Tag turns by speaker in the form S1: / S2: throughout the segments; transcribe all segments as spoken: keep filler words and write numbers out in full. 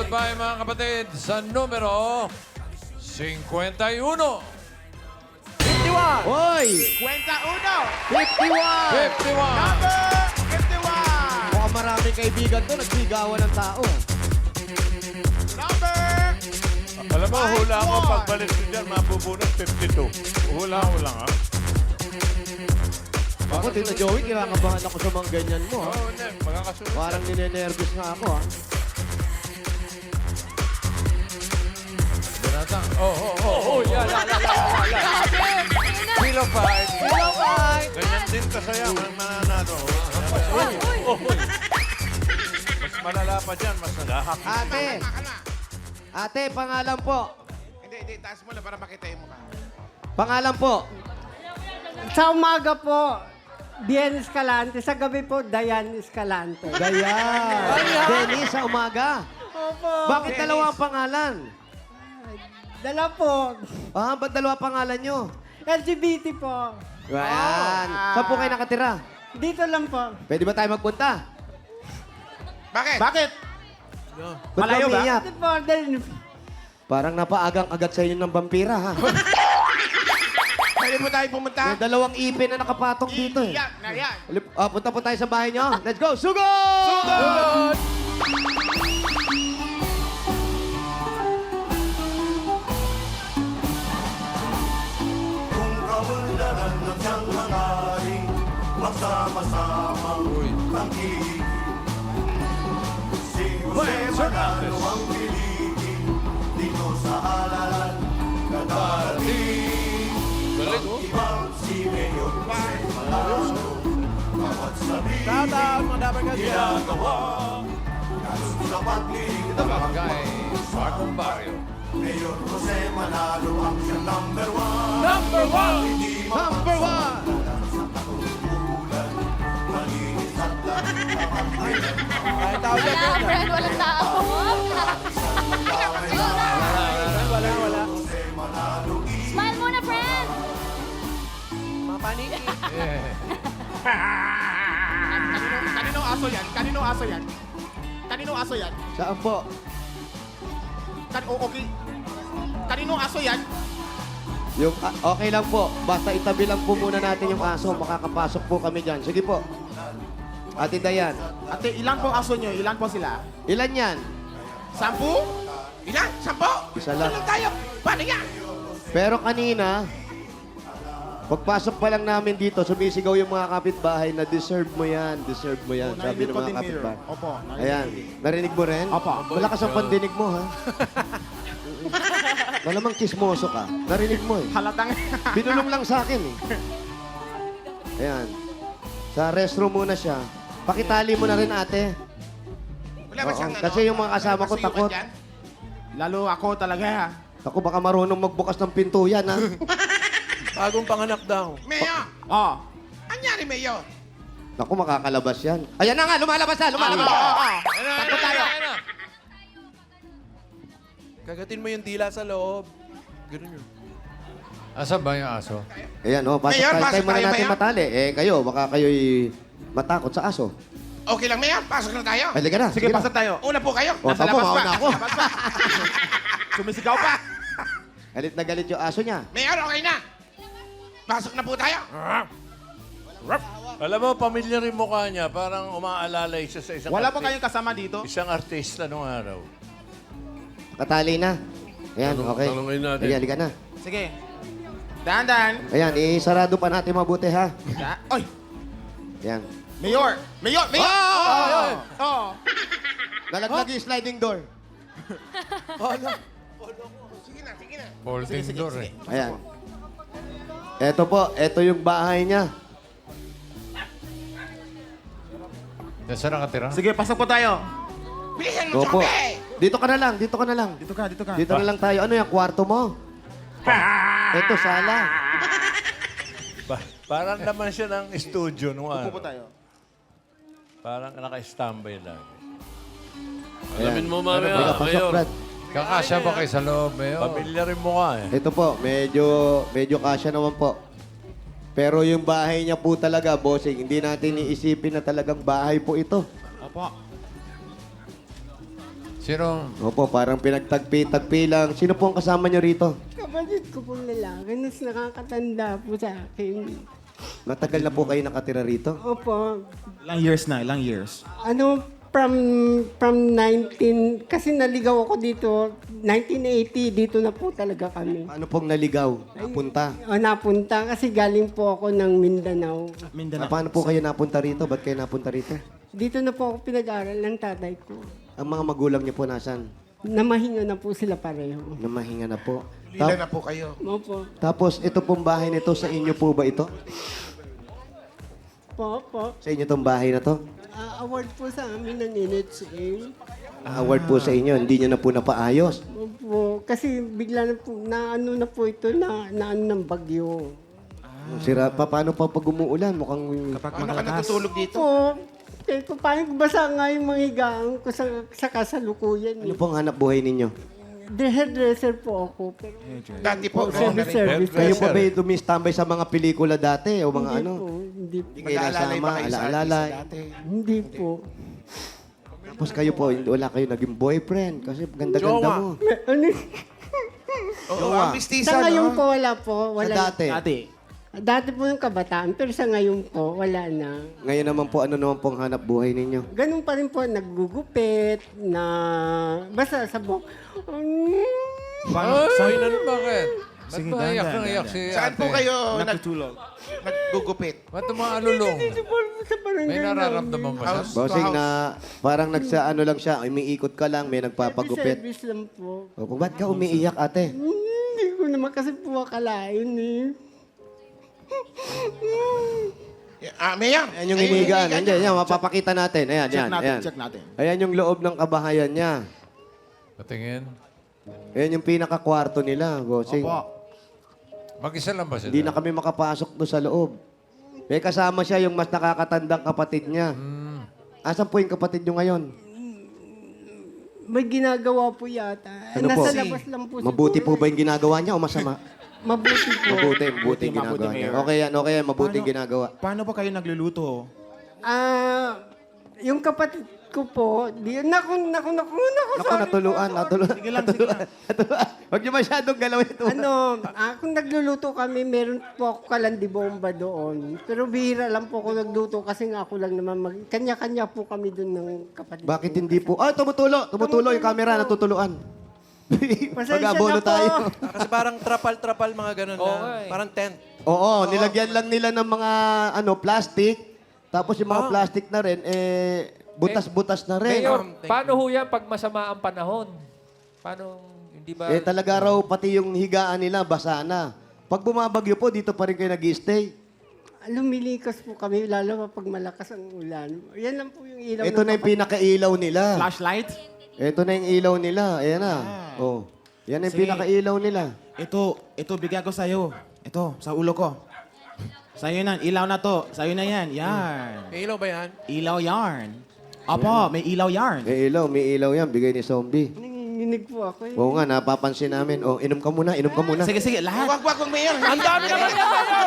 S1: Bye-bye mga kapatid sa numero fifty-one.
S2: fifty-one.
S3: Hoy!
S2: fifty-one.
S3: fifty-one!
S1: fifty-one.
S2: Number fifty-one.
S3: Mukhang maraming kaibigan to, nagsigawan ng tao.
S2: Number
S4: Alam mo, hula mo,
S2: fifty-one.
S4: pagbalik mo dyan, mabubunot fifty-two. Hula-hula nga.
S3: Ako, Tito Joey, kinakabahan ako sa mga ganyan mo.
S4: Oo,
S3: Ha?
S4: oh, hindi. Magkakasunod.
S3: Parang ninenervous nga ako. Ha?
S1: Binatang. Oh, oh, oh, oh.
S4: Yeah, la, la, la, la, la.
S1: Kilo five.
S4: Ganyan din kasaya, ang mananalo. Oh, mas malala pa dyan, mas nagahak.
S3: Ate! Ate, pangalan po.
S2: Hindi, hindi. Taas mo lang para makita yung mukha.
S3: Pangalan po.
S5: Sa umaga po, Bien Escalante. Sa gabi po, Dayan Escalante.
S3: Dayan. Dennis, sa umaga.
S5: Opo.
S3: Bakit dalawa ang pangalan?
S5: Dala po.
S3: Ah, ba't dalawa pangalan nyo?
S5: L G B T po.
S3: Yan. Saan po kayo nakatira?
S5: Dito lang po.
S3: Pwede ba tayo magpunta?
S2: Bakit? Bakit?
S3: Ba't
S2: Malayo ba?
S3: umiiyak?
S5: Dito po. Then,
S3: Parang napaagang-agat sa inyo ng vampira, ha?
S2: Pwede mo tayo pumunta?
S3: May dalawang ipin na nakapatong dito, eh.
S2: Iyak na yan.
S3: Alip- Ah, punta po tayo sa bahay nyo. Let's go! Sugod!
S2: Sugod!
S6: Kung kaunlaran ng siyang hangarin, magsama-samang
S1: Uy.
S6: tangkiligin. Si Jose Manalo ang piligin, dito sa halalan na darating.
S1: Galing, oh.
S6: Ibang si Mayor Jose Manalo, bawat sabihin
S4: Shout-out, mga dapat ka dyan.
S6: ginagawa. Kasun sa pagliling ng
S1: Barangay Marcong Barrio.
S6: Mayor Jose Manalo ang siyang number one.
S1: Number one!
S6: Hindi
S3: Number one!
S6: malinis at lang kapag
S4: Kahit tao dyan,
S7: Wala, friend, walang tao.
S4: wala, wala.
S7: Smile muna, friend.
S4: Mapaniki.
S1: Yeah.
S2: Kanino, kaninong aso yan? Kaninong aso yan? Kaninong aso yan?
S3: Saan po?
S2: Kan o okay. Kaninong aso yan?
S3: Yung, ah, okay lang po. Basta itabi lang po muna natin yung aso. Makakapasok po kami dyan. Sige po. Ate Dayan.
S2: Ate, ilan pong aso nyo? Ilan po sila?
S3: Ilan yan?
S2: Sampu? Ilan? Sampu?
S3: Isa lang.
S2: Ilan tayo? Paano yan?
S3: Pero kanina, pagpasok pa lang namin dito, sumisigaw yung mga kapitbahay na deserve mo yan, deserve mo yan. Sabi ng mga kapitbahay.
S2: Opo. narinig
S3: Ayan.
S2: ko din.
S3: Narinig mo rin?
S2: Opo.
S3: Malakas ang pandinig mo, ha? Malamang chismoso ka. Narinig mo, eh.
S2: Halatang.
S3: Binulong lang sa akin, eh. Ayan. Sa restroom muna siya. Pakitali mo na rin, ate.
S2: Wala ba
S3: Oo,
S2: siyang ano?
S3: kasi yung mga kasama ko
S2: kasuyuan
S3: takot.
S2: dyan? Lalo ako talaga.
S3: Ako baka marunong magbukas ng pinto yan, ha?
S4: Bagong panganak daw.
S2: Mayor! Oh. Anyari, Mayor?
S3: Naku, makakalabas yan. Ayan na nga, lumalabas na, lumalabas.
S2: Oo, oo, oo.
S1: Ayun na,
S2: Takbo
S1: ayun na,
S2: tayo.
S1: ayun na.
S4: Kagatin mo yung dila sa loob. Ganun yun.
S1: Asan ba yung aso?
S3: Ayan, oh, pasok
S2: Mayor,
S3: tayo.
S2: pasok
S3: Tayo muna
S2: tayo,
S3: natin
S2: Mayor.
S3: matali. Eh, kayo, baka kayo'y matakot sa aso.
S2: Okay lang, Mayor. Pasok na tayo.
S3: Halika na,
S2: Sige,
S3: sige na.
S2: pasok tayo. Una po kayo.
S3: O,
S2: Nasa
S3: tapo,
S2: labas pa.
S3: mauna ako.
S2: Nasa labas pa. Sumisigaw pa.
S3: Galit na galit yung aso niya.
S2: Mayor, okay na. Pasok na po tayo.
S4: Alam mo, pamilyar yung mukha niya. Parang umaalalay siya sa isang
S2: Wala ba
S4: arti-
S2: kayong kasama dito?
S4: Isang artista nung araw.
S3: Katali na. Ayan,
S4: Tanong-
S3: okay.
S4: tanongin natin.
S3: Ayan, halika na.
S2: Sige. Dahan-dahan.
S3: Ayan, isarado pa natin mabuti, ha?
S2: Da- Oy!
S3: Ayan.
S2: Mayor! Mayor! Mayor!
S3: Oh!
S2: Oh! Oh!
S3: Nalaglag yung sliding door.
S2: Sige na, sige na.
S1: Folding
S2: Sige, sige,
S1: door,
S2: sige.
S1: eh.
S3: Ayan. Eto po, eto yung bahay niya.
S1: Saan nakatira?
S2: Sige, pasok po tayo. Bilisan mo
S3: Go
S2: sa
S3: po.
S2: kape!
S3: Dito ka na lang, dito ka na lang.
S2: Dito ka, dito ka.
S3: Dito na lang tayo. Ano yung kwarto mo? Eto, sala.
S4: Pa- parang naman siya ng studio nung
S2: Upo po
S4: araw.
S2: tayo.
S4: Parang naka-standby lang.
S3: Alamin
S4: mo
S3: Halika, pasok, Brad.
S1: Kakasya ba kayo sa loob, Mayor?
S4: Pamilyar yung mukha eh.
S3: Ito po, medyo, medyo kasya naman po. Pero yung bahay niya po talaga, bossing, hindi natin iisipin na talagang bahay po ito.
S2: Opo.
S1: Sino?
S3: Opo, parang pinagtagpi-tagpi lang. Sino po ang kasama niyo rito?
S5: Kapatid ko pong lalaki, mas nakakatanda po sa akin.
S3: Matagal na po kayo nakatira rito?
S5: Opo,
S2: Ilang years na, ilang years.
S5: ano, from from nineteen, kasi naligaw ako dito, nineteen eighty, dito na po talaga kami.
S3: Paano pong naligaw? Napunta?
S5: O, napunta kasi galing po ako ng Mindanao.
S3: Ah,
S2: Mindanao.
S3: paano po kayo napunta rito? Ba't kayo napunta rito?
S5: Dito na po ako pinag-aral ng tatay ko.
S3: Ang mga magulang niyo po nasan?
S5: Namahinga na po sila pareho.
S3: Namahinga na po.
S6: Lila
S3: Ta-
S6: na po kayo.
S5: Opo.
S3: Tapos, ito pong bahay nito, sa inyo po ba ito?
S5: Po, po.
S3: Sa inyo tong bahay na to?
S5: Ah, award po sa amin ng N H A.
S3: Ah, award po sa inyo, hindi nyo na po napaayos.
S5: Opo. Kasi bigla na po, na ano na po ito, na, na ano ng bagyo.
S3: Sira pa, paano pa pag umuulan? Mukhang...
S2: Kapag
S6: Paano ka
S2: makalakas.
S6: natutulog dito?
S5: Po, eh, kung paano basa nga yung mga higaan ko sa, sa kasalukuyan.
S3: Ano
S5: Eh.
S3: pong hanap buhay ninyo?
S5: The hairdresser po ako. Pero,
S6: Dati po,
S5: po,
S6: ganun na
S5: service,
S6: rin.
S5: service.
S3: Kayo pa ba dumistambay sa mga pelikula dati o mga
S5: Hindi
S3: ano?
S5: po, hindi po.
S3: Hindi kayo
S6: Mag-aalalay
S3: nasama,
S6: ba kayo sa
S3: alaalalay.
S6: artista dati?
S5: Hindi po.
S3: Tapos kayo po, hindi- wala kayo naging boyfriend kasi ganda-ganda
S6: Jowa.
S3: mo.
S5: May- Ano?
S6: Oo, ang mistisa,
S5: Sa ngayon
S6: no?
S5: po, wala po. Wala.
S3: Sa dati.
S2: Dati.
S5: Dati po yung kabataan, pero sa ngayon po, wala na.
S3: Ngayon naman po, ano naman pong hanap buhay ninyo?
S5: Ganun pa rin po, naggugupit, na... Basta sa buhok. Mm,
S1: Ay,
S2: Sa,
S1: ano, bakit? Ba't
S2: Sige,
S1: ba
S2: dahan,
S1: iyak
S2: dahan,
S1: na iyak
S2: dahan.
S1: si
S6: Saan
S1: ate?
S6: po kayo nag
S2: natutulog.
S6: naggugupit?
S1: Ba't umaalulong?
S5: dito po sa barangay
S1: May nararamdaman ba siya?
S6: House to
S3: Bossing
S6: house.
S3: na parang nagsa ano lang siya, umiikot ka lang, may nagpapagupit.
S5: Service lang po.
S3: O, ba't ka umiiyak ate?
S5: Hmm, Hindi ko naman kasi po akalain eh.
S6: Ah, Mayor.
S3: Ayan yung hinigaan. Ayan, yan, mapapakita natin. Ayan,
S2: Check
S3: yan,
S2: natin,
S3: ayan.
S2: check natin.
S3: Ayan yung loob ng kabahayan niya.
S1: Patingin.
S3: Ayan yung pinaka-kwarto nila, bossing.
S2: Opo.
S1: Mag-isa lang ba sila?
S3: Hindi na kami makapasok doon sa loob. May kasama siya yung mas nakakatandang kapatid niya.
S1: Hmm.
S3: Asan po yung kapatid niyo ngayon?
S5: May ginagawa po yata.
S3: Ano po?
S5: Nasa labas lang po
S3: Mabuti po
S5: siguro.
S3: ba yung ginagawa niya o masama?
S5: Mabuti po.
S3: Mabuti, mabuti yung
S2: Mabuti,
S3: ginagawa niya.
S2: Mayor.
S3: Okay yan, okay yan, mabuti yung
S2: Paano-
S3: ginagawa.
S2: Paano po kayo nagluluto?
S5: Ah, yung kapatid ko po, di, naku, naku, naku, naku,
S3: Ako,
S5: sorry
S3: natuluan,
S5: po.
S3: natuluan.
S2: Sige lang, sige lang.
S3: Natuluan. Huwag niyo masyadong galawin ito.
S5: Ano, ah, kung nagluluto kami, meron po ako kalandibomba doon. Pero bihira lang po ako nagluto kasi nga ako lang naman mag... Kanya-kanya po kami doon ng kapatid
S3: Bakit
S5: ko.
S3: hindi po? Ah, tumutulo, tumutulo yung camera, natutuluan.
S5: Pasensya
S3: Mag-abono
S5: na po.
S3: tayo.
S8: Ah, kasi parang trapal-trapal mga ganun na. Parang tent.
S3: Oo, nilagyan lang nila ng mga ano plastic. Tapos yung mga
S8: Ah.
S3: plastic na rin, eh, butas-butas na rin.
S9: Mayor,
S8: Um, thank
S9: paano ho yan pag masama ang panahon? Paano, hindi ba?
S3: Eh, talaga raw, pati yung higaan nila, basa na. Pag bumabagyo po, dito pa rin kayo nag-stay.
S5: Lumilikas po kami, lalo pa pag malakas ang ulan. Yan lang po yung ilaw.
S3: Ito
S5: ng
S3: na yung
S5: kapatid.
S3: pinaka-ilaw nila.
S2: Flashlight?
S3: Ito na yung ilaw nila. Ayan na. Oh. Yan ang
S2: Sige.
S3: pinaka-ilaw nila.
S2: Ito, ito bigyan ko sa'yo. Ito, sa ulo ko. Sa'yo na, ilaw na to. Sa'yo na yan. Yan.
S8: May ilaw ba yan?
S2: Ilaw yarn. Opo, may ilaw yarn.
S3: May ilaw, may ilaw yan. Bigay ni Zombie.
S5: Nanginginig po ako eh.
S3: Oo nga, napapansin namin. Oh, inom ka muna, inom ka muna.
S2: Sige, sige, lahat.
S6: Wag, wag, wag, Mayor.
S8: Ang dami naman yan, Mayor!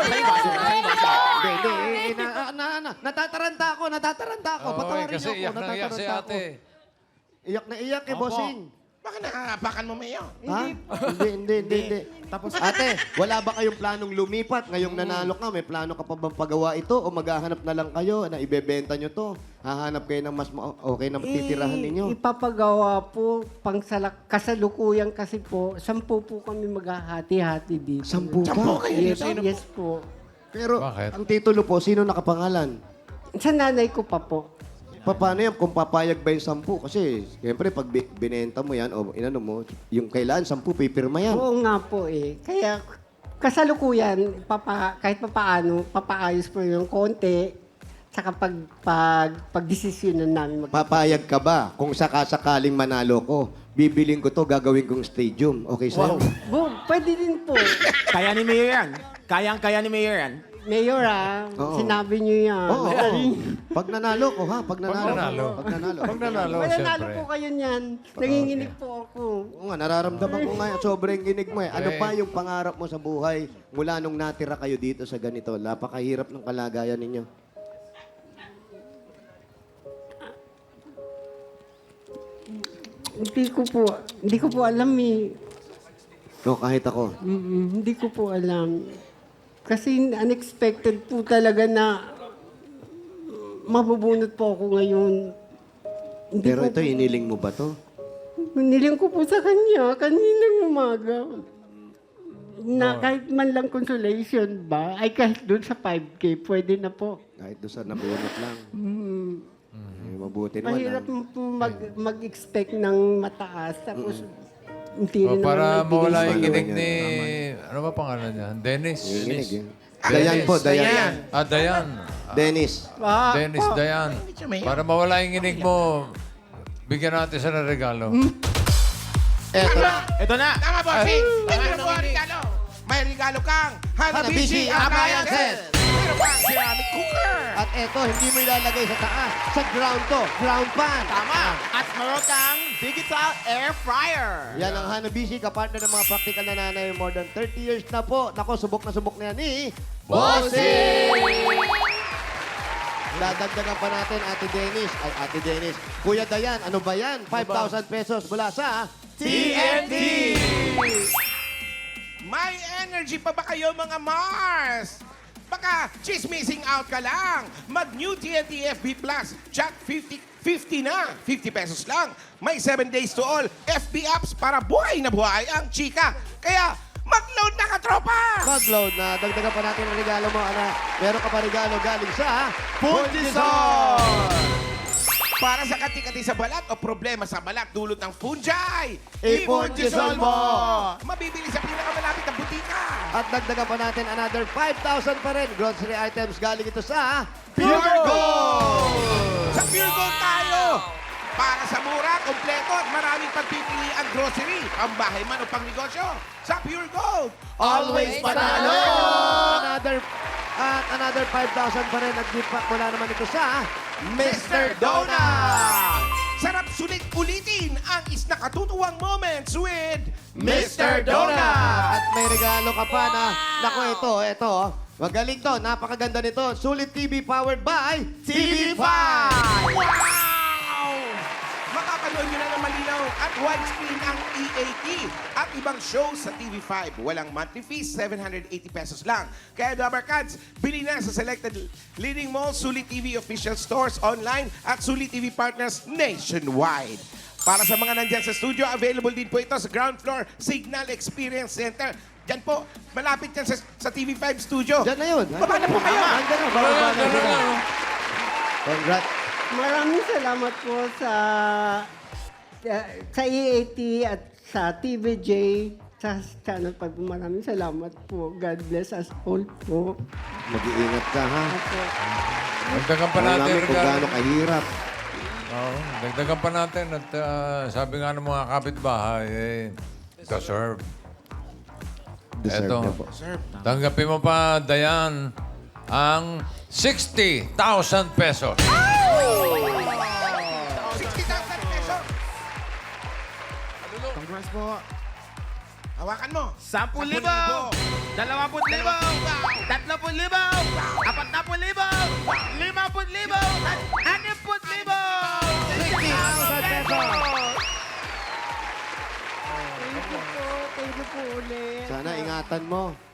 S3: Hindi, hindi. eh, na, na, na, natataranta ako, natataranta ako.
S1: Oo,
S3: Patawarin
S1: kasi
S3: niyo ako,
S1: iyak na iyak si
S3: natataranta
S1: ate.
S3: ako. Iyak na iyak eh,
S2: Opo.
S3: bossing.
S6: Baka nakahapakan mo, Mayor.
S3: Ha? Hindi, hindi, hindi, hindi.
S2: Tapos,
S3: Ate, wala ba kayong planong lumipat? Ngayong nanalo ka, may plano ka pa bang pagawa ito? O maghahanap na lang kayo na ibebenta nyo to? Hahanap kayo ng mas ma- okay na titirahan
S5: Eh,
S3: ninyo?
S5: Ipapagawa po, pang salak, kasalukuyan kasi po, sampu po kami maghahati-hati dito.
S3: Sampu ka.
S5: Yes, yes po.
S3: Pero
S1: Bakit?
S3: ang titulo po, sino nakapangalan?
S5: Sa nanay ko pa po.
S3: Pa- Paano yan kung papayag ba yung sampu? Kasi, siyempre, pag bi- binenta mo yan, o inano mo, yung kailangan, sampu, pipirma yan.
S5: Oo nga po eh. Kaya kasalukuyan, papa, kahit papaano, papaayos po yung konti, saka pag, pag, pag-desisyonan namin mag-
S3: Papayag ka ba kung sakasakaling manalo ko? Bibiling ko to, gagawin kong stadium. Okay sa'yo?
S5: Bo, pwede din po.
S2: kaya ni Mayor yan. Kayang-kaya ni Mayor yan.
S5: Mayor ah,
S3: Oo.
S5: sinabi niyo yan.
S3: Oo, oo. Pag nanalo ko, ha? Pag nanalo.
S1: Pag nanalo.
S3: Pag nanalo.
S1: Pag nanalo,
S5: Mananalo
S1: siyempre.
S5: po kayo niyan. Nanginginig po ako.
S3: Oo nga, nararamdaman ko nga, sobrang ginig mo eh. Ano
S1: Eh.
S3: pa yung pangarap mo sa buhay mula nung natira kayo dito sa ganito? Napakahirap ng kalagayan ninyo.
S5: Hindi ko po, hindi ko po alam eh.
S3: No, kahit ako.
S5: Mm, hindi ko po alam. Kasi unexpected po talaga na mabubunot po ako ngayon. Hindi
S3: Pero
S5: ko
S3: ito, iniling mo ba to?
S5: Niling ko po sa kanya kaninang umaga. Na kahit man lang consolation ba, ay kahit doon sa five K, pwede na po.
S3: Kahit doon sa nabunot lang.
S5: Mm.
S3: Eh, mabuti naman.
S5: Mahirap
S3: ah.
S5: po mag, mag-expect ng mataas. Tapos, hindi
S1: O,
S5: rin naman
S1: para
S5: magbigay
S1: mawala
S5: sa-
S1: yung
S3: Ano
S1: kinig
S3: yan?
S1: ni... Ano ba pangalan niya? Dennis.
S3: Inilig eh. Dayan po, Dayan.
S1: Ah, Dayan.
S3: Dennis.
S5: Ah,
S1: Dennis,
S5: po.
S1: Dayan. Para mawala yung kinig mo, bigyan natin siya ng regalo.
S3: Eto na.
S2: Ito na!
S6: Tama, bossing! Meron po ang regalo! May regalo kang
S3: Hanabishi
S6: Hanabishi
S3: Appliances!
S6: Appliances! Meron pang ceramic cooker!
S3: At eto, hindi mo ilalagay sa taas. Sa ground to. Ground pan.
S6: Tama! At meron kang digital air fryer!
S3: Yan ang Hanabishi, kapartner ng mga practical na nanay. More than thirty years na po. Nako, subok na subok na yan ni... Bossing! Dadagdagan pa natin, Ate Dennis. Ay, Ate Dennis. Kuya Dayan, ano ba yan? five thousand pesos mula sa...
S6: T N T! May energy pa ba kayo mga Mars? Baka chismissing out ka lang. Mag-new T N T F B Plus. Chat fifty, fifty na. fifty pesos lang. May seven days to all F B apps para buhay na buhay ang chika. Kaya mag-load na ka, tropa!
S3: Mag-load na. Dagdagan pa natin ang regalo mo, anak. Meron ka pa regalo galing sa...
S6: Puntisol! Para sa kati-kati sa balat o problema sa balat dulot ng fungi,
S3: I-Puntisol mo!
S6: Mabibili sa pinakamalapit na butika.
S3: At dagdagan pa natin another five thousand pa rin. Grocery items galing ito sa...
S6: Pure Gold! Sa Pure Gold tayo! Para sa mura, kompleto at maraming pagpipili ang grocery, pambahay man o pangnegosyo. Sa Pure Gold,
S3: Always panalo! Another, at another five thousand pa rin. At gift pack mula naman ito sa...
S6: Mister Donut! Sarap sulit ulitin ang isnakatutuwang moments with
S3: Mister Donut! At may regalo ka pa na... Naku, ito, ito. oh. Magaling to. Napakaganda nito. Sulit T V powered by T V five!
S6: Wow! Makakanood nyo na ng malinaw at widescreen ang E A T at ibang shows sa T V five. Walang monthly fees, seven hundred eighty pesos lang. Kaya Dabber Cats, bili na sa selected leading malls, Sulit T V official stores online at Sulit T V partners nationwide. Para sa mga nandyan sa studio, available din po ito sa ground floor Signal Experience Center. Diyan po, malapit yan sa, sa T V five studio.
S3: Diyan na yun.
S6: Baba na po kayo.
S3: Andyan na. Baba na sila. Congrats.
S5: Maraming salamat po sa uh, sa E A T at sa T V J, sa channel pa po. Maraming salamat po. God bless us all po.
S3: Mag-iingat ka, ha?
S5: Ako.
S1: Dagdagan pa
S3: Alam
S1: natin
S3: namin kung
S1: regalo.
S3: gaano kahirap.
S1: Oo, dagdagan pa natin. At ah, sabi nga ng mga kapitbahay, eh, deserve.
S3: Deserve
S1: Eto.
S3: niya po.
S1: Tanggapin mo pa, Dayan, ang sixty thousand pesos.
S6: sixty thousand pesos.
S2: Congrats po.
S6: Hawakan mo.
S2: Sampung libo! Dalawamput libo! Tatloput libo! Apatnamput libo! Limaput libo! At animput libo!
S3: sixty thousand pesos!
S5: Thank you po. Thank you po ulit.
S3: Sana ingatan mo.